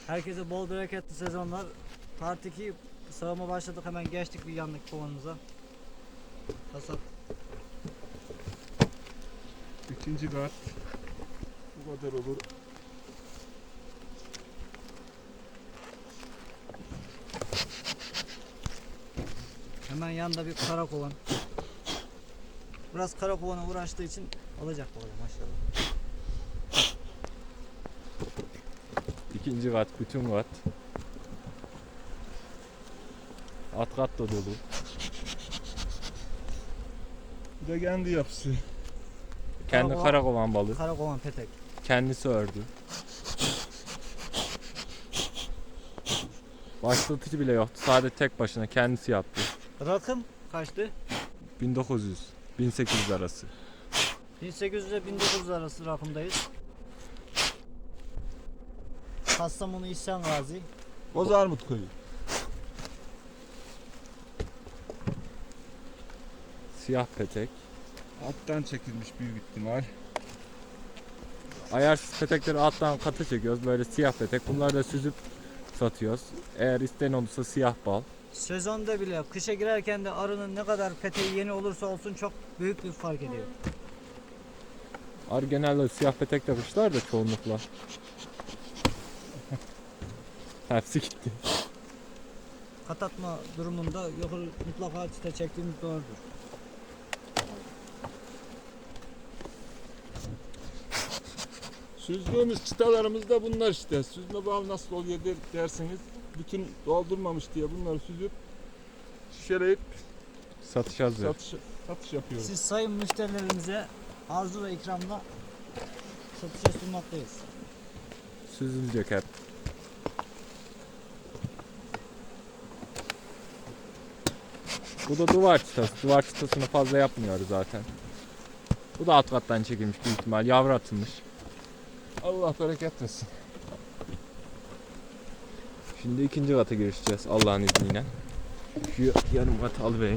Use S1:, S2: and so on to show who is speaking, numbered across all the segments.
S1: Herkese bol bereketli sezonlar. Part 2 sağıma başladık, hemen geçtik bir yanlık kovanımıza. Hasat.
S2: İkinci kat. Bu kadar olur.
S1: Hemen yanında bir kara kovan. Biraz kara kovana uğraştığı için olacak bakalım maşallah.
S3: İkinci kat, bütün kat. Alt kat da dolu.
S2: Bir de kendi yapısı.
S3: Kendi
S1: Karakovan-
S3: karakovan balığı.
S1: Kara kovan petek.
S3: Kendisi ördü. Başlatıcı bile yoktu. Sadece tek başına kendisi yaptı.
S1: Rakım kaçtı?
S3: 1900, 1800 arası.
S1: 1800 ile 1900 arası rakımdayız. Kastamonu İhsan Gazi.
S2: Bozarmut köyü.
S3: Siyah petek.
S2: Alttan çekilmiş büyük ihtimal.
S3: Ayarsız petekleri alttan katı çekiyoruz. Böyle siyah petek. Bunları da süzüp satıyoruz. Eğer isteyen olursa siyah bal.
S1: Sezonda bile kışa girerken de arının ne kadar peteği yeni olursa olsun çok büyük bir fark ediyor.
S3: Arı genelde siyah petek yapmışlar da çoğunlukla. Hepsi gitti.
S1: Kat atma durumunda yukarı mutlaka çite çektiğimiz doğrudur.
S2: Süzdüğümüz çıtalarımız da bunlar işte. Süzme bal nasıl oluyor derseniz, bütün doldurmamış diye bunları süzüp şişeleyip
S3: Satış hazır.
S2: satış yapıyoruz.
S1: Siz sayın müşterilerimize arzu ve ikramla satışa sunmaktayız.
S3: Süzülecek hep. Bu da duvar çıtası. Duvar çıtasını fazla yapmıyoruz zaten. Bu da alt kattan çekilmiş büyük ihtimal. Yavru atılmış.
S2: Allah bereket versin.
S3: Şimdi ikinci kata girişeceğiz Allah'ın izniyle. Şu yarım katı alıvereyim.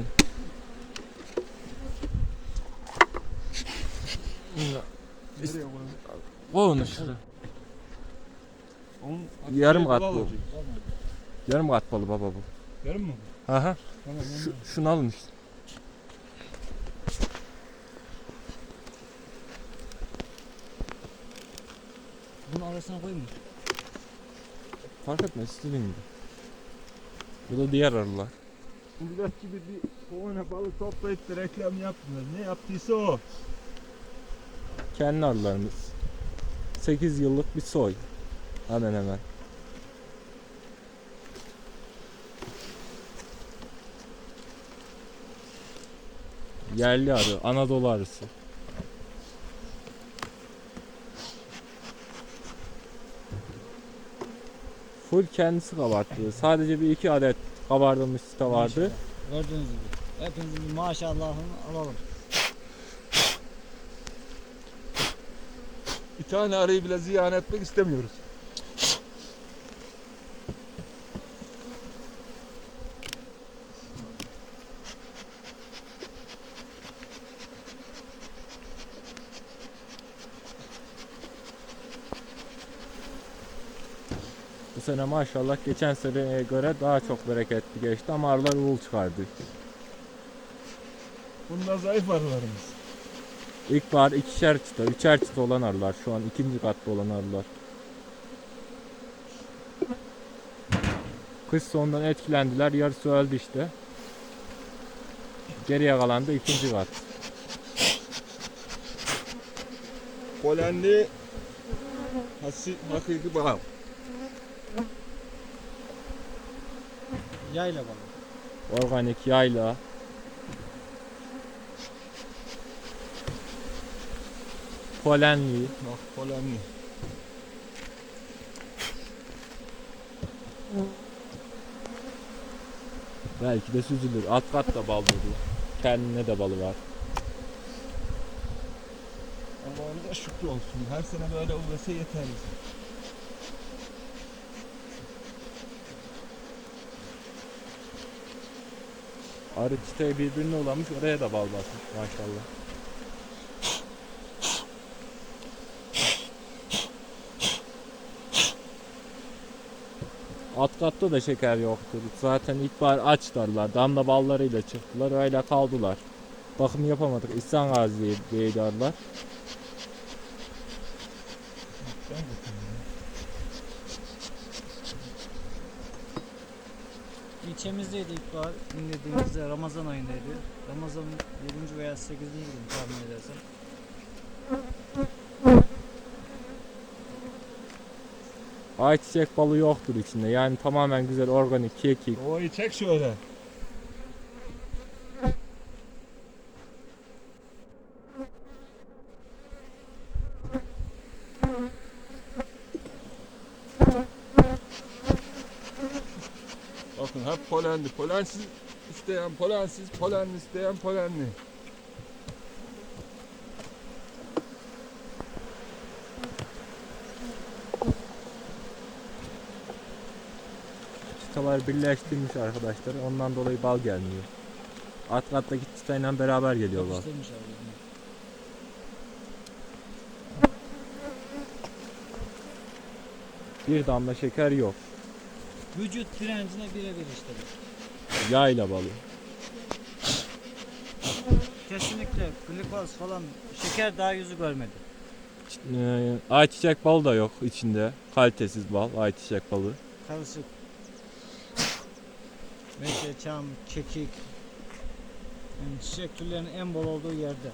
S2: Nereye koyalım?
S3: Koy onu şuraya.
S2: Onun
S3: Yarım kat
S2: bal
S3: bu.
S2: olacak.
S3: Yarım kat balı baba bu.
S2: Yarım mı?
S3: Aha.
S2: Tamam.
S3: Şunu alın işte.
S1: Bunu arasına koyayım mı?
S3: Fark etmez istediğin gibi. Bu da diğer arılar.
S2: Millet gibi bir kovana balık toplayıp da reklam yapmıyor. Ne yaptıysa o.
S3: Kendi arılarımız. 8 yıllık bir soy. Hemen hemen. Yerli arı, Anadolu arısı. Full kendisi kabarttı. Sadece bir iki adet kabardılmış site vardı.
S1: Maşallah. Gördüğünüz gibi. Hepinizin bir maşallahını alalım.
S2: Bir tane arıyı bile ziyan etmek istemiyoruz.
S3: Bu sene maşallah geçen seneye göre daha çok bereketli geçti ama arılar uğul çıkardı.
S2: Bunlar zayıf arılarımız.
S3: İlkbahar ikişer çıta, üçer çıta olan arılar. Şu an ikinci katta olan arılar. Kış sonundan etkilendiler. Yarısı öldü işte. Geriye kalan da ikinci kat.
S2: Polenli hakiki bal.
S1: Yayla balığı.
S3: Organik yayla. Polenli.
S2: Bak polenli.
S3: Belki de süzülür. Alt kat da bal dolu. Kendine de balı var.
S2: Allah'ın da şükür olsun. Her sene böyle olursa yeterli.
S3: Arı çiçeği birbirine ulamış. Oraya da bal basmış maşallah. Alt katta da şeker yoktur. Zaten ilkbahar açlarlar. Damla ballarıyla çıktılar. Öyle kaldılar. Bakım yapamadık. İhsan Gazi'ye darlar.
S1: İlçemizdeydi ilkbahar. İndirdiğimizde Ramazan ayındaydı. Ramazan'ın 7. veya 8. günü tahmin edersem.
S3: Ayçiçek balı yoktur içinde. Yani tamamen güzel organik kekik.
S2: Ovayı çek şöyle. Bakın hep polenli. Polensiz isteyen polensiz, polenli isteyen polenli.
S3: Çıtalar birleştirmiş arkadaşlar. Ondan dolayı bal gelmiyor. Alt kattaki çıtayla beraber geliyor bal.
S1: Yapıştırmış abi.
S3: Bir damla şeker yok.
S1: Vücut direncine birebir işte.
S3: Yayla balı.
S1: Kesinlikle glikoz falan şeker daha yüzü görmedi.
S3: Ayçiçek balı da yok içinde. Kalitesiz bal, ayçiçek balı.
S1: Karışık. Meşe, çam, kekik. Yani çiçek türlerinin en bol olduğu yerde.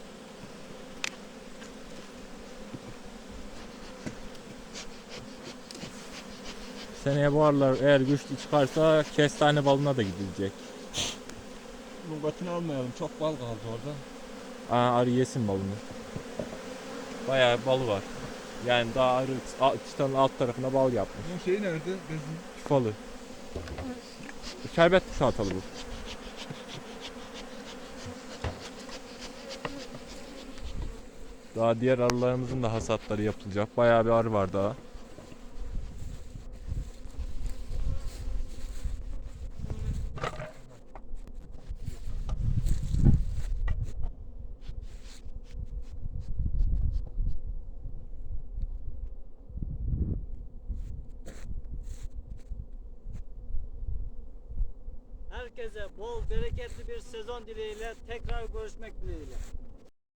S3: Seneye bu aralar eğer güçlü çıkarsa kestane balına da gidilecek.
S2: Nurbatını almayalım. Çok bal kaldı orada.
S3: Arı yesin balını. Bayağı balı var. Yani daha arı çıtanın alt tarafına bal yapmış.
S2: Bunun şeyi nerede? Bezin.
S3: Küfalı. Şerbet salatalı bu. Daha diğer arılarımızın da hasatları yapılacak. Bayağı bir arı var daha.
S1: Herkese bol bereketli bir sezon dileğiyle tekrar görüşmek dileğiyle.